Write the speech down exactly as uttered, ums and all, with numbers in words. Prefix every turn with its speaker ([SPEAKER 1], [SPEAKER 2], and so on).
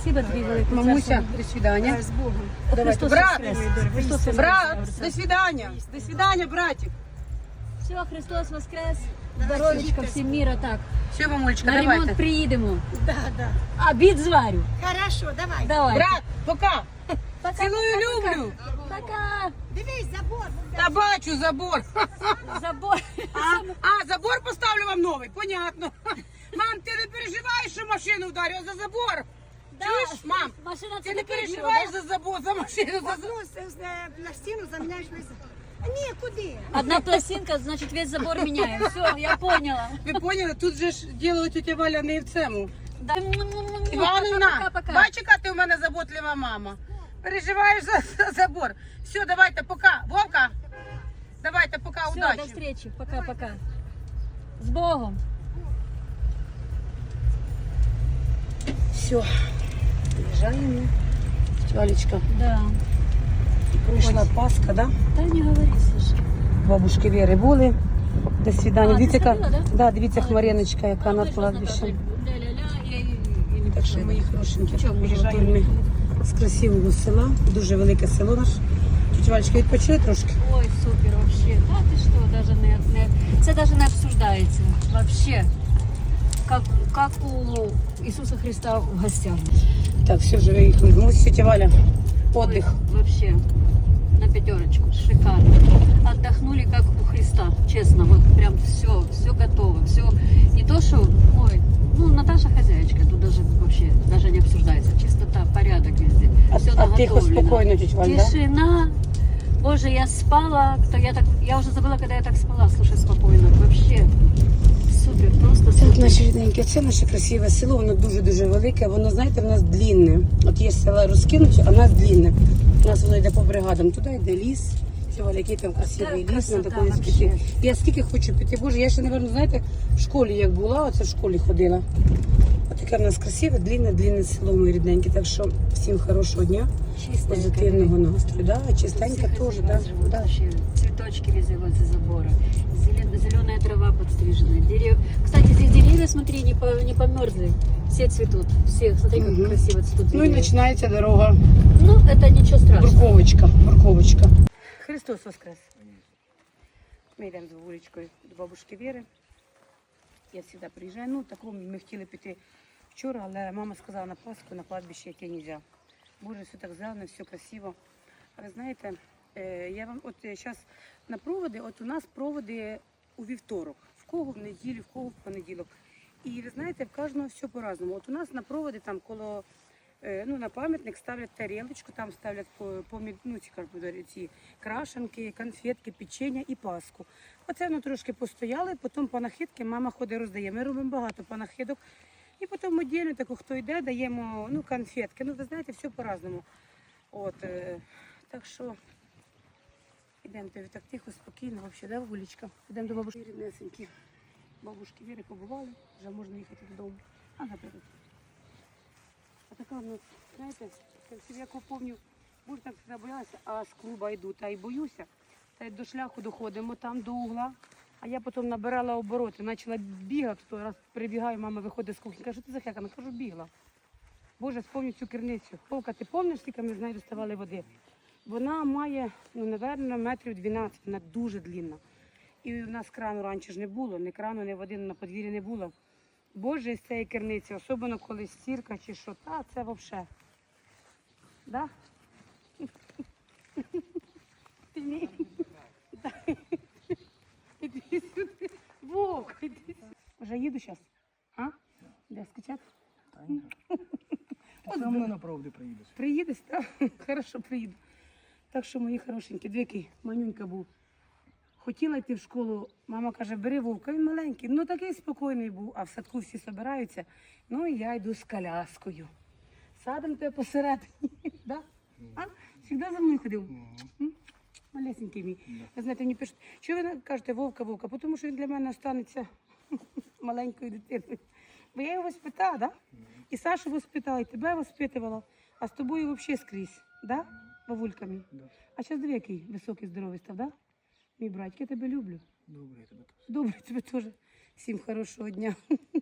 [SPEAKER 1] Спасибо тобі велике.
[SPEAKER 2] Мамуся, до свидання.
[SPEAKER 3] З Богом.
[SPEAKER 2] Давайте,
[SPEAKER 1] Христос
[SPEAKER 2] брат,
[SPEAKER 1] воскрес! Христос воскрес!
[SPEAKER 2] брат, до свидання. До свидання, братик.
[SPEAKER 1] Все, Христос воскрес! Здоровечка, всім міра, так.
[SPEAKER 2] Все, мамулечка,
[SPEAKER 1] На ремонт
[SPEAKER 2] давайте.
[SPEAKER 1] приїдемо.
[SPEAKER 3] Да, да.
[SPEAKER 1] Обід зварю.
[SPEAKER 3] Хорошо, давай.
[SPEAKER 1] Давай.
[SPEAKER 2] Брат, пока.
[SPEAKER 1] Пока,
[SPEAKER 2] Цілую,
[SPEAKER 1] пока,
[SPEAKER 2] люблю.
[SPEAKER 1] Пока.
[SPEAKER 3] Дивись, забор.
[SPEAKER 2] Та бачу забор.
[SPEAKER 1] Забор.
[SPEAKER 2] А, а, забор поставлю вам новий, понятно. Мам, ти не переживаєш, що машину вдарю за забор?
[SPEAKER 1] Да.
[SPEAKER 2] Чуєш, мам?
[SPEAKER 1] Машина
[SPEAKER 2] Ти
[SPEAKER 1] це
[SPEAKER 2] не
[SPEAKER 1] таке діло,
[SPEAKER 2] переживаєш
[SPEAKER 1] да?
[SPEAKER 2] за забор, за машину, за забор.
[SPEAKER 3] Одну з- з- на стіну заміняєш весь. А ні, куди?
[SPEAKER 1] Одна пластинка, значить весь забор міняє. Все, я поняла.
[SPEAKER 2] Ви поняли, тут же ж діло тетя Валя не в цьому.
[SPEAKER 1] Да.
[SPEAKER 2] Івановна,
[SPEAKER 1] Пока-пока.
[SPEAKER 2] бач, яка ти у мене заботлива мама. Переживаєш за, за забор. Все, давайте, пока. Вовка, давайте, пока,
[SPEAKER 1] Все,
[SPEAKER 2] удачі.
[SPEAKER 1] до встречи. Пока-пока. С Богом.
[SPEAKER 2] Все, приїжджаємо. Валечка,
[SPEAKER 1] Да.
[SPEAKER 2] пройшла Пасха, да?
[SPEAKER 1] Та не говори, Саша.
[SPEAKER 2] Бабушки Віри були. До свидання.
[SPEAKER 1] А,
[SPEAKER 2] Дивіться,
[SPEAKER 1] ти
[SPEAKER 2] яка,
[SPEAKER 1] ходила, да?
[SPEAKER 2] да, дивіться,
[SPEAKER 1] А,
[SPEAKER 2] Хмариночка, яка
[SPEAKER 1] А
[SPEAKER 2] на
[SPEAKER 1] ми ж
[SPEAKER 2] кладбищі.
[SPEAKER 1] ля-ля-ля, я і- і не
[SPEAKER 2] Так що,
[SPEAKER 1] пішла.
[SPEAKER 2] мої хорошенькі,
[SPEAKER 1] Чого,
[SPEAKER 2] приїжджаємо
[SPEAKER 1] може,
[SPEAKER 2] ми з красивого села. Дуже велике село наше. Тетя Валечка, відпочили трошки?
[SPEAKER 1] Ой, супер, вообще. Да ты что, даже не, не... Це даже не обсуждається. Вообще. Как, как у Ісуса Христа в гостях.
[SPEAKER 2] Так, все, вже виїхали. Ну, ось тетя Валя, отдых.
[SPEAKER 1] Ой, вообще. На пятерочку. Шикарно. Отдохнули как у Христа. Честно, вот прям все, все готово. Все. Не то, что, ой, ну, Наташа хозяйка. Тут даже вообще, даже не обсуждается. Чистота, порядок везде.
[SPEAKER 2] А,
[SPEAKER 1] Все
[SPEAKER 2] а тихо, спокойно, тетя Валя, да?
[SPEAKER 1] Тишина. Боже, я спала, то я так, я уже забыла, когда я так спала, слушай, спокойно, вообще супер, просто
[SPEAKER 2] Це
[SPEAKER 1] супер.
[SPEAKER 2] наше рідненьке, це наше красиве село, воно дуже-дуже велике, воно, знаєте, в нас длінне. От є села розкинуті, а в нас длінне. У нас воно йде по бригадам, туди йде ліс, Валя, який там красивий
[SPEAKER 1] Так,
[SPEAKER 2] ліс, треба
[SPEAKER 1] красота
[SPEAKER 2] колись
[SPEAKER 1] вообще.
[SPEAKER 2] піти. Я скільки хочу піти, боже, я ще, мабуть, знаєте, в школі як була, оце в школі ходила. Ось таке в нас красиве, длінне, длінне село, мої рідненькі, так що всім хорошого дня,
[SPEAKER 1] Чистенько.
[SPEAKER 2] позитивного настрою, да, чистенько теж, да, да.
[SPEAKER 1] Вообще, цветочки везде возле забора, Зелен- зеленая трава подстрижена, дерев... Кстати, здесь деревья, смотри, не, по... не померзли, все цветут, все, смотри, как
[SPEAKER 2] Мгм.
[SPEAKER 1] красиво цветут
[SPEAKER 2] Ну і
[SPEAKER 1] деревья.
[SPEAKER 2] починається дорога.
[SPEAKER 1] Ну, это ничего страшного.
[SPEAKER 2] Бурковочка, бурковочка. Христос воскрес. Ми йдемо з вуличкою до бабушки Віри. Я завжди приїжджаю. Ну, такому ми хотіли піти вчора, але мама сказала на Пасху, на кладбище яке не можна. Боже, все так зелено, все красиво. А ви знаєте, е, я вам от зараз на проводи, от у нас проводи у вівторок. В кого в неділю, в кого в понеділок. І ви знаєте, в кожного все по-разному. От у нас на проводи там коло Е, ну, на пам'ятник ставлять тарілочку, там ставлять по, по, ну, ці, як би, ці крашенки, конфетки, печення і паску. Оце воно трошки постояло, і потім панахидки мама ходить роздає. Ми робимо багато панахидок. І потім віддільно, таку, хто йде, даємо ну, конфетки. Ну, ви знаєте, все по-разному. От, е, так що йдемо так тихо, спокійно, взагалі, да, вуличка. Йдемо до бабушки ріднесенькі. Бабушки Віри побували, вже можна їхати додому. А, наприклад. А така, ну, знаєте, як я пам'ятаю, боже, так завжди боялася, а з клуба йду, та й боюся. Та й до шляху доходимо, там до угла. А я потім набирала обороти, почала бігати, то раз прибігаю, мама виходить з кухні, каже, що ти за хеками? Кажу, бігла. Боже, спомню цю керницю. Вовка, ти пам'ятаєш, скільки ми з нею доставали води? Вона має, ну, напевно, метрів дванадцять, вона дуже длинна. І у нас крану раніше ж не було, ні крану, ні води на подвір'ї не було. Боже, з цієї керниці, особливо коли стірка чи що, та це взагалі. Да? Ти мій? Іди сюди. Вовк, іди сюди. Вже їду зараз? А? Де скачати?
[SPEAKER 4] Ти все одно на правди приїдеш.
[SPEAKER 2] Приїдеш, так? Хорошо, приїду. Так що, мої хорошенькі, дві манюнька був. Хотіла йти в школу, мама каже, бери Вовка, він маленький. Ну такий спокійний був, а в садку всі збираються. Ну і я йду з коляскою. Садом тебе посередині, да? А? Завжди за мною ходив? М? Малесенький мій. Ви знаєте, мені пишуть, що ви кажете Вовка, Вовка? Тому що він для мене останеться маленькою дитиною. Бо я його воспитала, да? І Сашу воспитала, і тебе воспитувала, а з тобою взагалі скрізь, да? Бабульками. А зараз диви, який високий, здоровий став, да? Мій братик, я тебе люблю.
[SPEAKER 4] Добре, я тебе теж.
[SPEAKER 2] Добре, тебе теж. Всім хорошого дня.